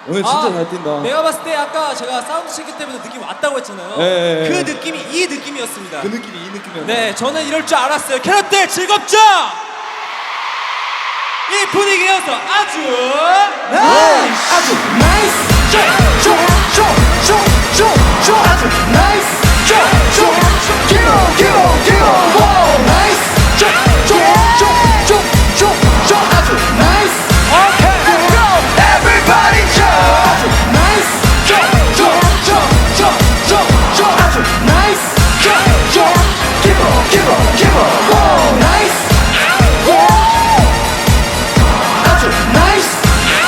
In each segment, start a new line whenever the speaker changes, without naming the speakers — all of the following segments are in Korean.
오늘 진짜 잘 뛴다.
내가 봤을 때 아까 제가 사운드 체크 때부터 느낌 왔다고 했잖아요.
네.
그 느낌이 이 느낌이었습니다.
그 느낌이 이 느낌이었나?
네, 저는 이럴 줄 알았어요. 캐럿들 즐겁죠? 이 분위기여서 아주
나이스!
아주 나이스 쇼쇼쇼쇼쇼 아주 나이스 쇼쇼쇼 기로 오 나이스 쇼쇼쇼쇼쇼 아주 나이스 오케이 let's go everybody jump 아주 나이스 쇼쇼쇼쇼쇼 아주 나이스 쇼쇼 기로 오 나이스 아주 나이스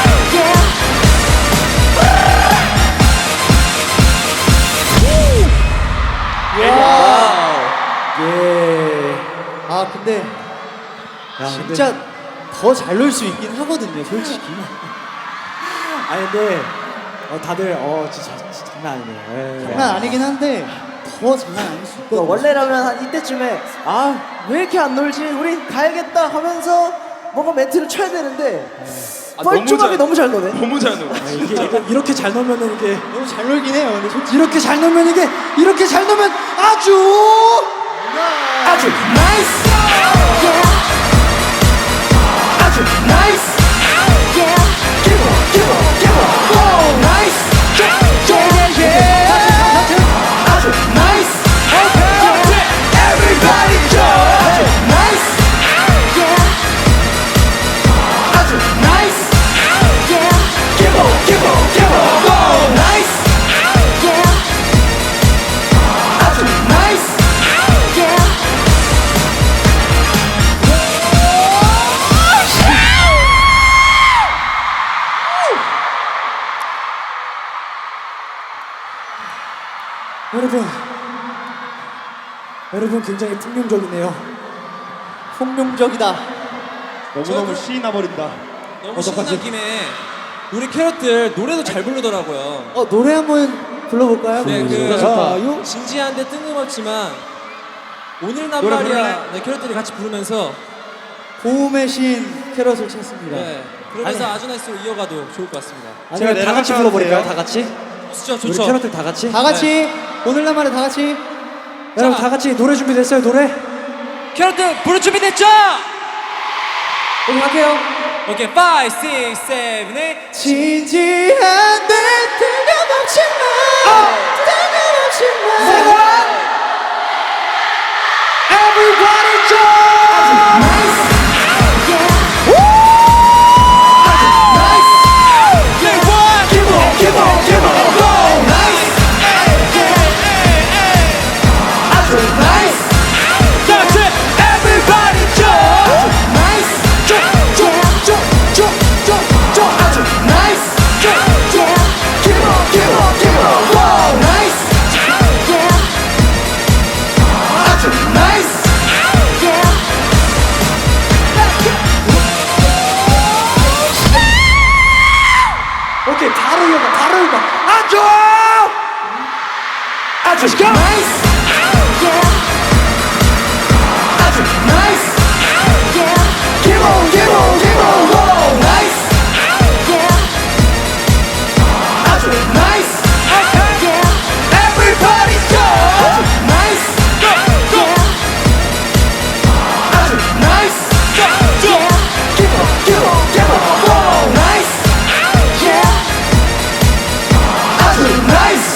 예.
아 근데
야,
진짜 더 잘 놀 수 있긴 하거든요 솔직히.
아니 근데 다들 진짜 장난 아니네요. 예.
장난 아니긴 한데 더 장난 아닐 수 있거든요.
원래라면 한 이때쯤에 왜 이렇게 안 놀지? 우리 가야겠다 하면서 뭔가 멘트를 쳐야 되는데 뻘쭘하게 너무 잘 노네.
너무 잘 놀아.
이게 이렇게 잘 놀면은 이게
너무 잘 놀긴 해요. 근데 솔직히
이렇게 잘 놀면 이렇게 잘 놀면 아주 나이스 아주 나이스 기브 오 나이스 아주 나이스 everybody jump 아주 나이스 아주 나이스 기브 오 나이스 아주 나이스 여러분 굉장히 풍경적이네요. 폭룡적이다.
너무너무 신이 나버린다.
너무 신난 김에 우리 캐럿들 노래도 잘 부르더라고요.
노래 한번 불러볼까요?
네,
좋다.
진지한데 뜬금없지만 오늘난
노래
말이야. 네, 캐럿들이 같이 부르면서
고음의 신 캐럿을 찾습니다.
네, 그러면서 아주 나이스로 이어가도 좋을 것 같습니다.
제가 다 같이 불러버릴까요? 다 같이?
좋죠,
우리
좋죠.
캐럿들 다 같이? 다 같이 오늘날 말에 다 같이. 여러분 다 같이 노래 준비됐어요? 노래?
캐럿들 부를 준비됐죠?
우리 갈게요.
오케이, 5, 6, 7, 8.
진지한데 뜬금없지만 Everybody jump! Nice! 오케이 바로 이어가 아주 나이스 아주 나이스 기본 오 나이스 아주 나이스 everybody jump 나이스 아주 나이스 기본 오 나이스 아주 나이스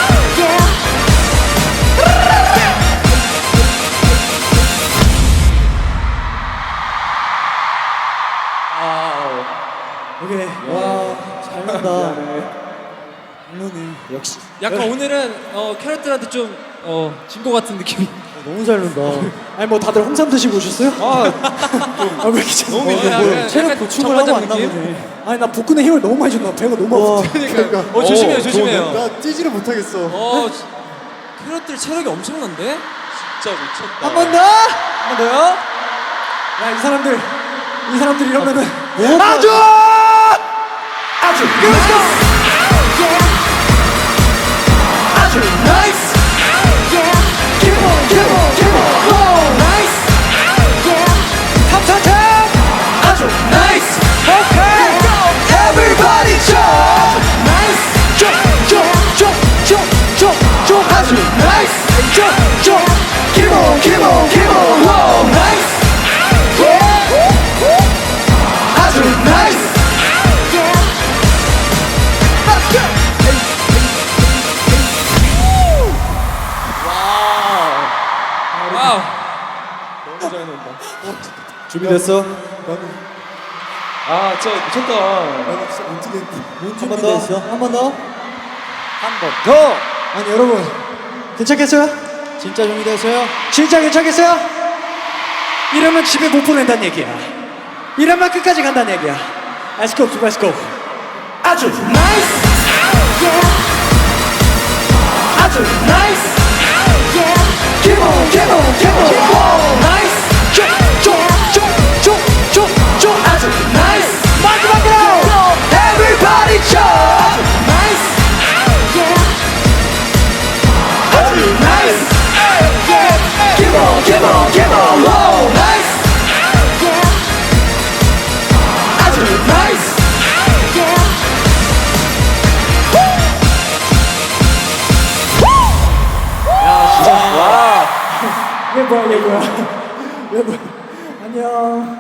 오케이 와잘 논다 잘 노네 역시
약간 오늘은 캐럿들한테 좀 진 것 같은 느낌이.
너무 잘 논다 아니 뭐 다들 홍삼 드시고 오셨어요? 왜 이렇게
너무
약간
체력 보충을 하고 왔나
느낌?
보네 아니 나 복근에 힘을 너무 많이 줬나 배가 너무 아프다
그러니까. 조심해요, 조심해요.
나 뛰지를 못하겠어.
캐럿들 체력이 엄청난데? 진짜 미쳤다.
한 번 더! 한 번 더요? 야, 이 사람들 이러면은 아주 아주 나이스 기본 오 나이스 탑탑탑 아주 나이스 오케이 everybody jump
준비됐어?
아, 진짜 미쳤다.
한 번 더? 한 번 더?
한 번 더.
아니 여러분 괜찮겠어요?
진짜 준비됐어요?
진짜 괜찮겠어요? 이러면 집에 못 보낸다는 얘기야. 이러면 끝까지 간다는 얘기야. Let's go, let's go.
아주 나이스 아주 나이스 Keep on keep on keep on Wow 나이스 쪼쪼쪼쪼쪼 아주 나이스 마지막으로 Everybody jump 나이스 아주 나이스 Keep on keep on keep on Wow 나이스 아주 나이스
얘 뭐야 얘 뭐야 얘 뭐야. 안녕.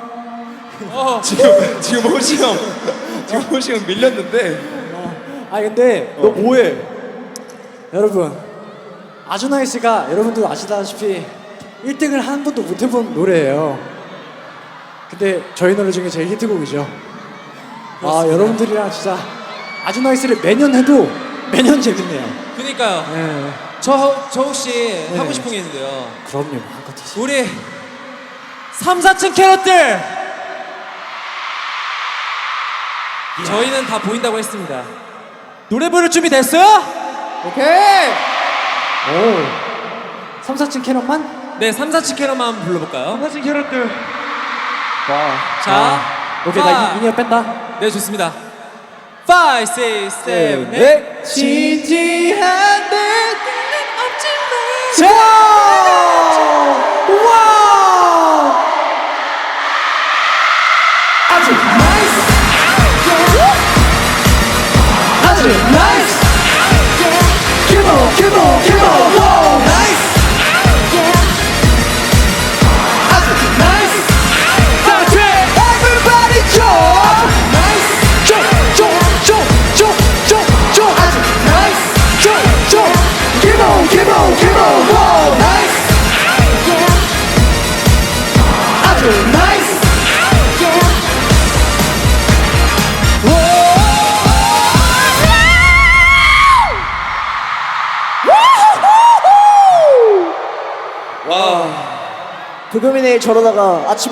지금 호시 형 밀렸는데.
아 근데 너 뭐해? 여러분 아주 나이스가 여러분도 아시다시피 1등을 한 번도 못 해본 노래예요. 근데 저희 노래 중에 제일 히트곡이죠. 아 여러분들이랑 진짜 아주 나이스를 매년 해도 매년 재밌네요.
그니까요.
네.
저 혹시 하고 싶은 게 있는데요.
그럼요. 한껏 드시.
우리 3, 4층 캐럿들 저희는 다 보인다고 했습니다. 노래 부를 준비 됐어요?
오케이. 오. 3, 4층 캐럿만?
네, 3, 4층 캐럿만 한번 불러볼까요?
4층 캐럿들. 와.
자,
오케이 나 인이어 뺀다.
네, 좋습니다. 5, 6, 7, 8
진지한 데
자!
와!
아주 나이스 아주 나이스 Keep on keep on keep on Wow 나이스 아주 나이스 Everybody jump 나이스 쪼쪼쪼쪼쪼 아주 나이스 쪼쪼 Keep on keep on keep on Wow 나이스 아주 나이스
불금이 내일 저러다가 아침에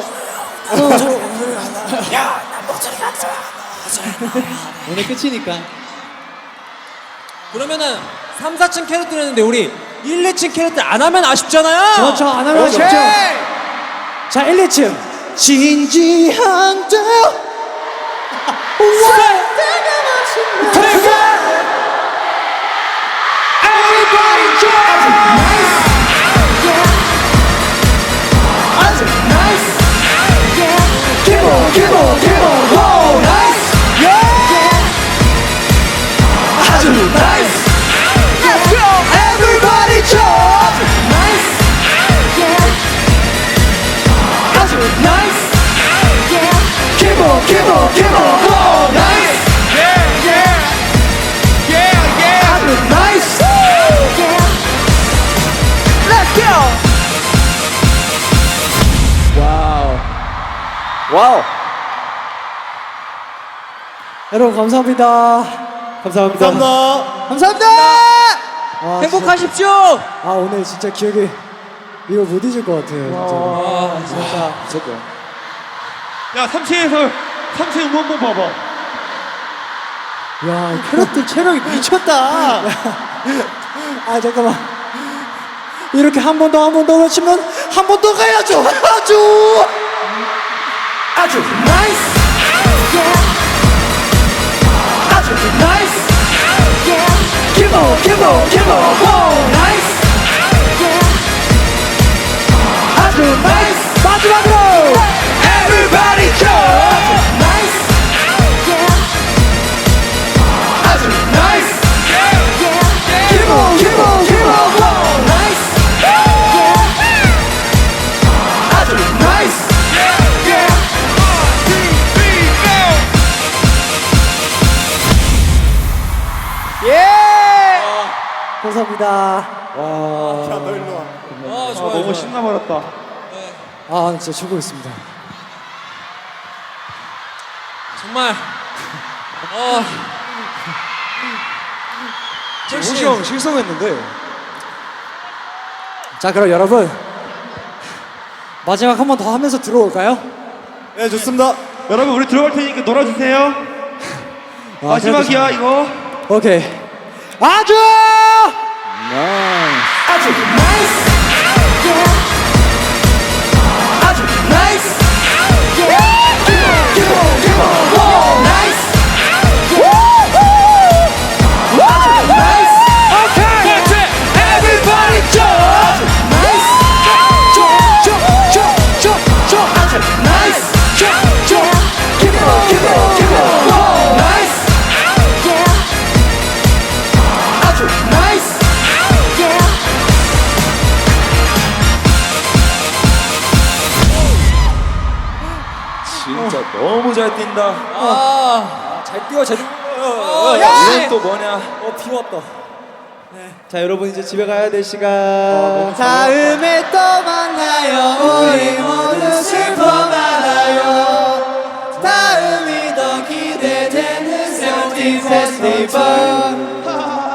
오늘 끝이니까.
그러면은 3, 4층 캐럿들 했는데 우리 1, 2층 캐럿들 안 하면 아쉽잖아요.
그렇죠. 안 하면
오케이.
아쉽죠. 자, 1, 2층. 진지한 데
Everybody jump! 아주 nice! Keep on, keep on, keep on, wow, nice! 아주 nice! Let's go! Everybody jump! Nice! 아주 nice! Keep on, keep on, keep on, wow, nice! 아주 nice! Let's go!
와우.
여러분 감사합니다. 감사합니다. 감사합니다. 와,
행복하십시오.
진짜, 아 오늘 진짜 기억에 이거 못 잊을 것 같아요. 진짜.
무조건.
야 3층에서 3층 응원봉 봐봐. 야 캐럿들 체력이 미쳤다. 아 잠깐만. 이렇게 한 번 더 외치면 한 번 더 가야죠.
아주 nice! 아주 nice! Keep on, keep on, keep on, wow, nice! 아주 nice! 마지막으로! Everybody jump! Nice! 아주 nice! Keep on, keep on, keep on, wow, nice! 아주 nice!
감사합니다.
와, 좋아요.
너무 신나버렸다. 아 진짜 최고였습니다.
정말
호시 형 실성했는데.
자, 그럼 여러분 마지막 한 번 더 하면서 들어올까요?
네, 좋습니다. 여러분 우리 들어갈 테니까 놀아주세요. 마지막이야 이거.
오케이. 아주
아주 나이스 아주 나이스
진짜 너무 잘 뛴다.
잘 뛰어 잘 뛰어.
이건 또 뭐냐?
비 왔다.
자 여러분 이제 집에 가야 될 시간 다음에 또 만나요 우리 모두 슬퍼 말아요 다음이 더 기대되는 세븐틴 페스티벌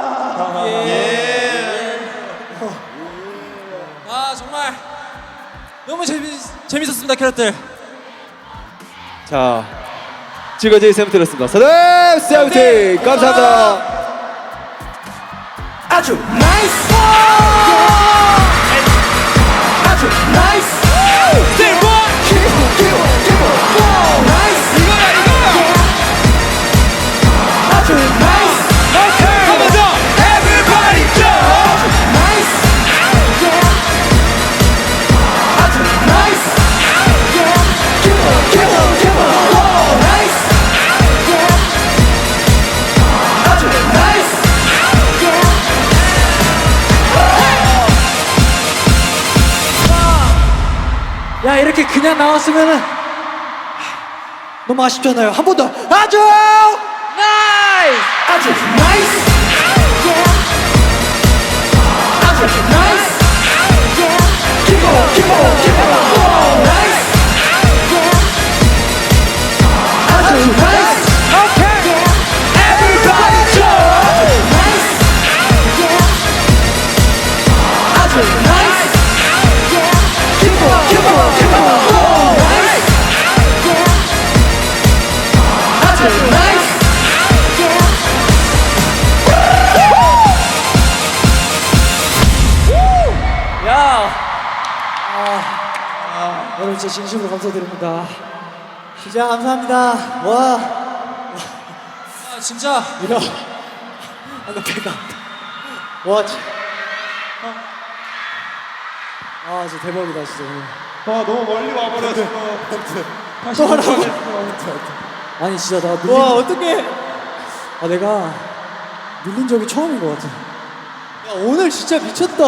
정말 너무 재밌었습니다 캐럿들.
자 지금까지 세븐틴이었습니다 사람 세븐틴 감사합니다 아주 나이스 아주 나이스 아주 나이스 한번 더 everybody jump 나이스 아주 나이스 나이스 아주 나이스
야, 이렇게 그냥 나왔으면은 너무 아쉽잖아요. 한 번 더. 아주 나이스.
아주 나이스 아주 나이스 Keep on, keep on, keep on 나이스 아주 나이스 Everybody jump 나이스 아주 나이스 Keep on, keep on, keep on 나이스 아주 나이스
여러분 진짜 진심으로 감사드립니다.
진짜 감사합니다. 와.
진짜
이거 아까 배가
와.
진짜 대박이다 진짜.
너무 멀리 와버렸어.
또 하라고. 아니 진짜 나 밀린.
와, 어떡해.
내가 밀린 적이 처음인 것 같아.
야, 오늘 진짜 미쳤다.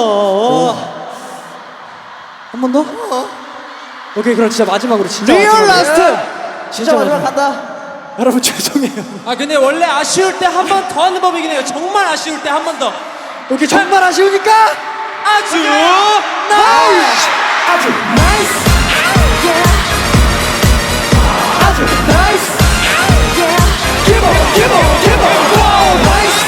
한 번 더? 오케이, 그럼 진짜 마지막으로 진짜
리얼
마지막으로.
라스트.
진짜 마지막
간다.
여러분 죄송해요.
근데 원래 아쉬울 때 한 번 더 하는 법이긴 해요. 정말 아쉬울 때 한 번 더.
오케이, 정말 아쉬우니까
아주
나이스.
아주 나이스. 아주 나이스. Keep on, keep on, keep on. 나이스.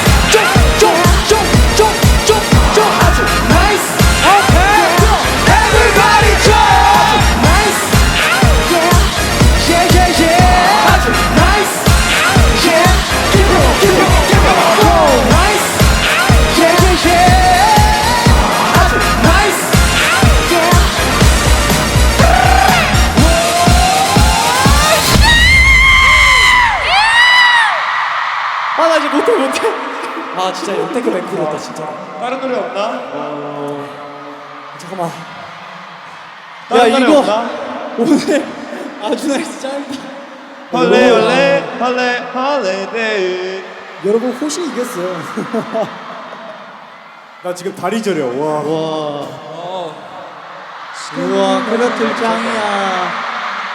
쪽. 아주 나이스. Everybody jump. 나이스. Yeah. 아주 나이스. Yeah. Keep on, keep on, keep on. 나이스. Yeah. 아주 나이스. 나 이제 못해.
진짜 역대급 앵콜이었다 진짜.
다른 노래 없나?
잠깐만.
다른
야,
노래
이거-
없나?
오늘 아주 나이스 짧다.
할레데이.
여러분 호시 이겼어요.
나 지금 다리 저려. 와.
우와, 그렇들 짱이야.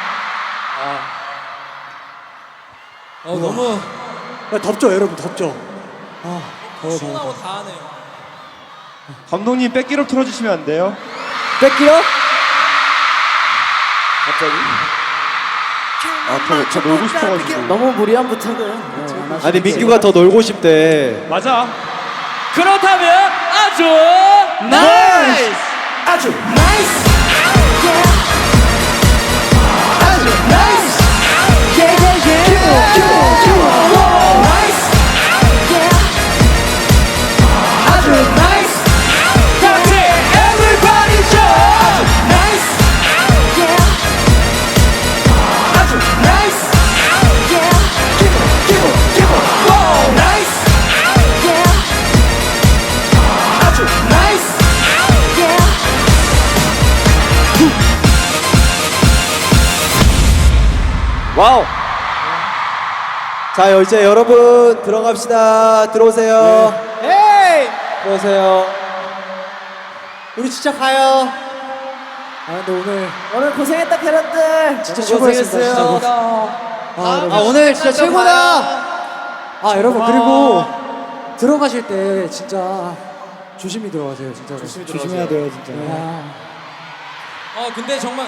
너무
덥죠 여러분, 덥죠. 더워.
신나고 다 하네요.
감독님 백기록 틀어주시면 안 돼요?
뺏기요?
갑자기?
저 놀고 싶어가지고.
너무 무리한 부탁은 안 하시는
아니
게
민규가 더 놀고 싶대.
맞아.
그렇다면 아주
나이스.
아주 나이스 아주 나이스 나이스 아주 나이스 같이 everybody jump 나이스 아주 나이스 wow 나이스 아주 나이스
와우. 자 이제 여러분 들어갑시다. 들어오세요.
에이
들어오세요. 우리 진짜 가요.
아 근데
오늘 고생했다 캐럿들
진짜 최고였습니다. 진짜
오늘 진짜 최고다.
아 여러분 그리고 들어가실 때 진짜 조심히 들어가세요 진짜로. 조심해야 돼요 진짜.
근데 정말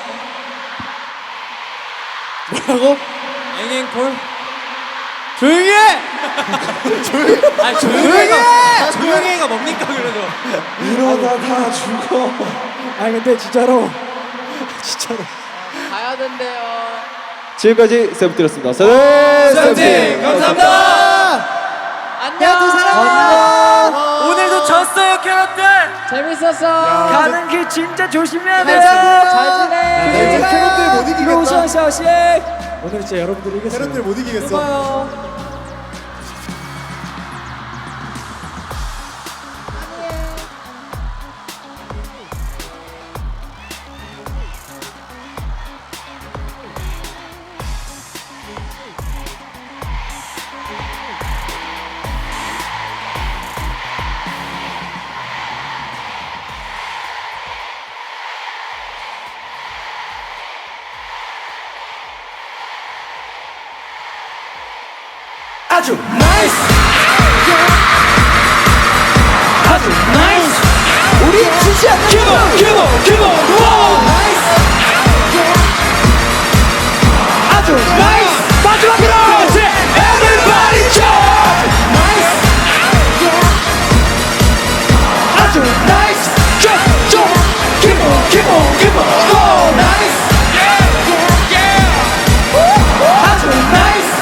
뭐라고?
앵앵콜
조용히 해.
아니 조용히 해가 뭡니까 그래도
이러다 다 죽어.
아니 근데 진짜로 진짜로
가야 된대요
지금까지 세븐틴이었습니다.
세븐틴 감사합니다.
안녕 사랑해
오늘도 졌어요 캐럿들.
재밌었어
가는
길 진짜 조심해야
잘 지내. 캐럿들 못 이기겠다.
로션샤식
오늘 진짜 여러분들이 이겼어요.
캐럿들 못 이기겠어. 아주 나이스 아주 나이스 우리 진짜 기본 와우 나이스 아주 나이스 마지막으로 everybody jump 나이스 아주 나이스 기본 와우 나이스 아주 나이스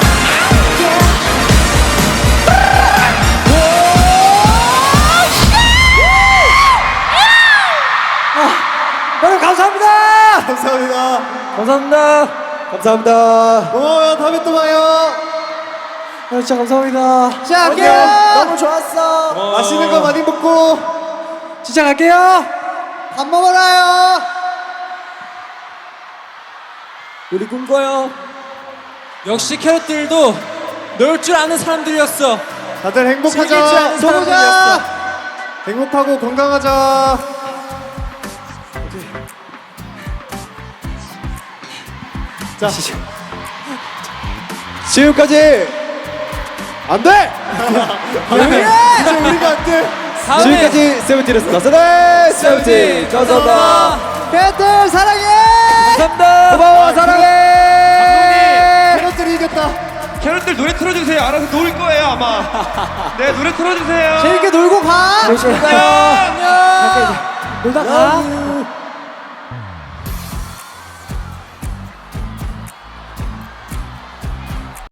여러분 감사합니다.
감사합니다.
감사합니다.
감사합니다.
고마워요. 다음에 또 봐요.
진짜 감사합니다.
자 갈게요 너무 좋았어
맛있는 거 많이 먹고
진짜 갈게요.
밥 먹어라요.
우리 꿈꿔요. 역시 캐럿들도 놀 줄 아는 사람들이었어.
다들
즐길 줄
행복하자.
아는 사람들이었어.
행복하고 건강하자. 자,
지금까지 안 돼.
이제 우리가 안 돼.
다음에
지금까지 세븐틴이었습니다. 네, 세븐틴 감사합니다.
캐럿들 사랑해
감사합니다.
고마워 사랑해.
캐럿들이 이겼다.
캐럿들 노래 틀어주세요. 알아서 놀 거예요 아마. 네 노래 틀어주세요.
재밌게 놀고 가
안녕. 놀다 가.